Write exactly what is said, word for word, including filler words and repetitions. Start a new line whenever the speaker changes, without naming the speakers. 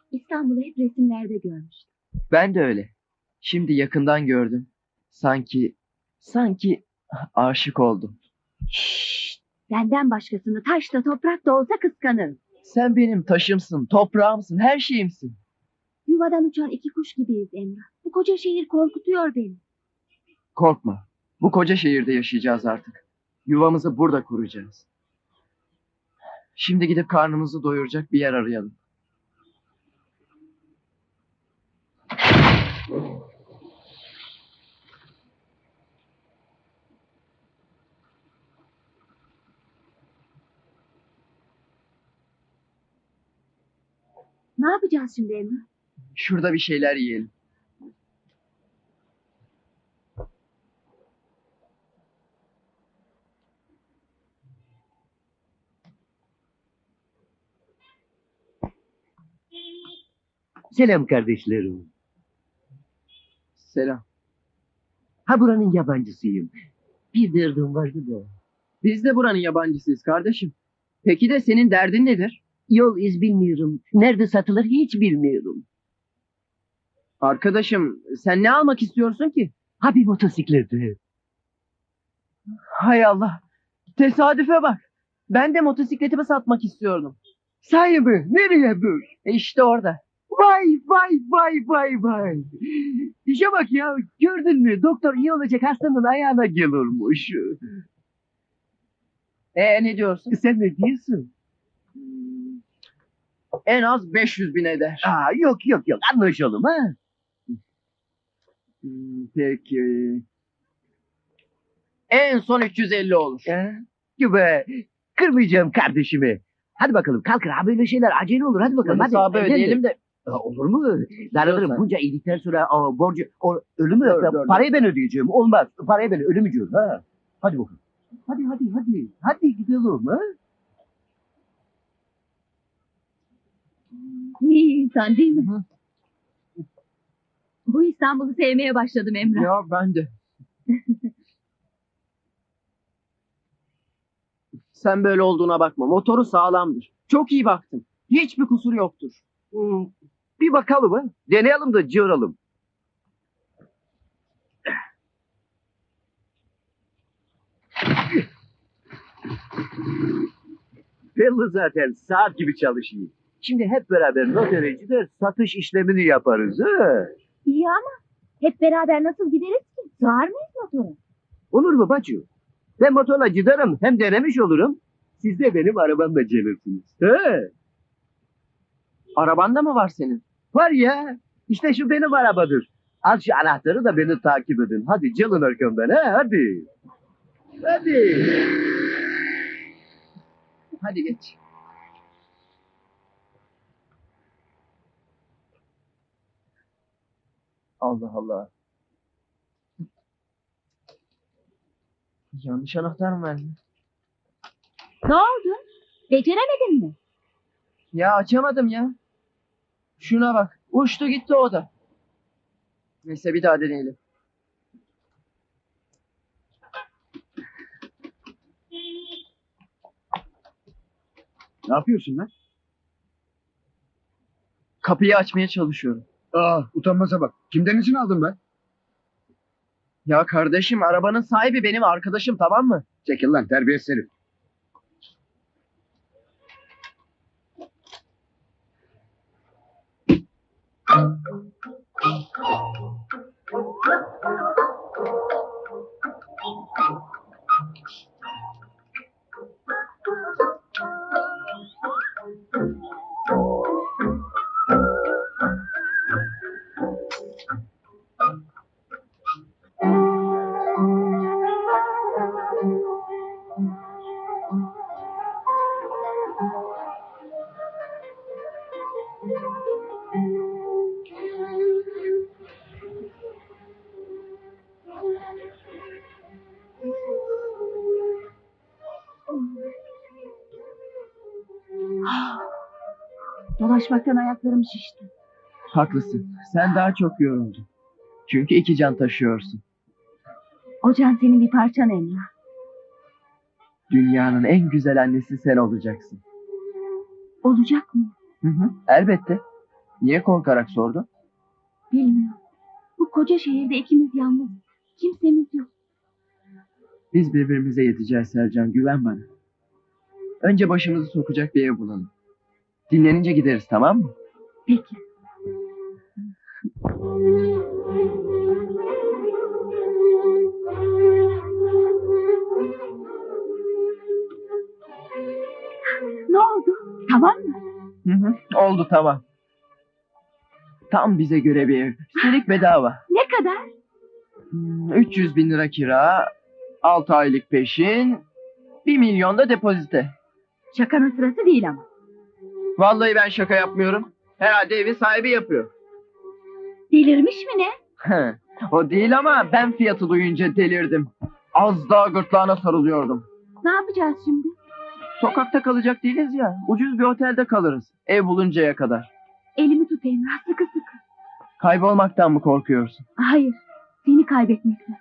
İstanbul'u hep resimlerde görmüştüm.
Ben de öyle. Şimdi yakından gördüm. Sanki, sanki aşık oldum.
Şşşt! Benden başkasını taş da toprak da olsa kıskanırım.
Sen benim taşımsın, toprağımsın, her şeyimsin.
Yuvadan uçan iki kuş gibiyiz Emrah. Bu koca şehir korkutuyor beni.
Korkma. Bu koca şehirde yaşayacağız artık. Yuvamızı burada kuracağız. Şimdi gidip karnımızı doyuracak bir yer arayalım.
Ne yapacağız şimdi Emrah?
Şurada bir şeyler yiyelim.
Selam kardeşlerim.
Selam.
Ha buranın yabancısıyım. Bir derdim vardı da.
Biz de buranın yabancısıyız kardeşim. Peki de senin derdin nedir?
Yol iz bilmiyorum. Nerede satılır hiç bilmiyorum.
Arkadaşım sen ne almak istiyorsun ki?
Ha bir motosikleti.
Hay Allah. Tesadüfe bak. Ben de motosikletimi satmak istiyordum.
Sahi mi? Nereye dur?
E işte orada.
Vay vay vay vay vay. İşe bak ya. Gördün mü? Doktor iyi olacak hastanın ayağına gelirmiş.
E ne diyorsun?
Sen ne diyorsun?
En az beş yüz bin eder.
Aa, yok yok yok anlaşalım ha.
Hmm, Peki. En son üç yüz elli olur.
Ha? Gibi. Kırmayacağım kardeşimi. Hadi bakalım kalkın ha böyle şeyler acele olur hadi bakalım. Hadi,
Hesabı
evlenin.
ödeyelim de.
Ha, olur mu? Darılırım
Diyorsan.
bunca iyilikten sonra o, borcu, o, ölümü
Dur, dur, dur.
parayı ben ödeyeceğim. Olmaz. Parayı ben ölümü diyorum. Ha. Hadi bakalım. Hadi hadi hadi. Hadi gidelim ha.
İyi insan değil mi?
Hı.
Bu İstanbul'u sevmeye başladım Emrah.
Ya ben de. Sen böyle olduğuna bakma. Motoru sağlamdır. Çok iyi baktım. Hiçbir kusuru yoktur.
Hmm, bir bakalım ha. Deneyelim de cıvıralım. Belli zaten saat gibi çalışıyor. Şimdi hep beraber noterecide satış işlemini yaparız. Ha?
İyi ama hep beraber nasıl gideriz ki? Sığar mıyız motora?
Olur mu bacı? Ben motorla giderim hem denemiş olurum. Siz de benim arabamla gelirsiniz. He?
Arabanda mı var senin?
Var ya. İşte şu benim arabadır. Al şu anahtarı da beni takip edin. Hadi gelin arkamdan ha hadi. Hadi.
Hadi geç. Allah Allah. Yanlış anahtar mı verdin?
Ne oldu? Beceremedin mi?
Ya açamadım ya. Şuna bak. Uçtu gitti o da. Neyse bir daha deneyelim.
Ne yapıyorsun lan?
Kapıyı açmaya çalışıyorum.
Aa, utanmaza bak. Kimden izin aldın be?
Ya kardeşim arabanın sahibi benim arkadaşım tamam mı?
Çekil lan terbiyesiz herif.
Dolaşmaktan ayaklarım şişti.
Haklısın. Sen daha çok yoruldun. Çünkü iki can taşıyorsun.
O can senin bir parçan Emrah.
Dünyanın en güzel annesi sen olacaksın.
Olacak mı?
Hı hı, elbette. Niye korkarak sordun?
Bilmiyorum. Bu koca şehirde ikimiz yalnız. Kimsemiz yok.
Biz birbirimize yeteceğiz Sercan, güven bana. Önce başımızı sokacak bir ev bulalım. Dinlenince gideriz, tamam mı?
Peki. Ne oldu? Tamam mı?
Hı hı, oldu tamam. Tam bize göre bir ev. Üstelik bedava.
Ne kadar?
Hmm, üç yüz bin lira kira, altı aylık peşin, bir milyon da depozite.
Şakanın sırası değil ama.
Vallahi ben şaka yapmıyorum. Herhalde evin sahibi yapıyor.
Delirmiş mi ne?
O değil ama ben fiyatı duyunca delirdim. Az daha gırtlağına sarılıyordum.
Ne yapacağız şimdi?
Sokakta kalacak değiliz ya. Ucuz bir otelde kalırız. Ev buluncaya kadar.
Elimi tut Emrah, sıkı sıkı.
Kaybolmaktan mı korkuyorsun?
Hayır, seni kaybetmekten.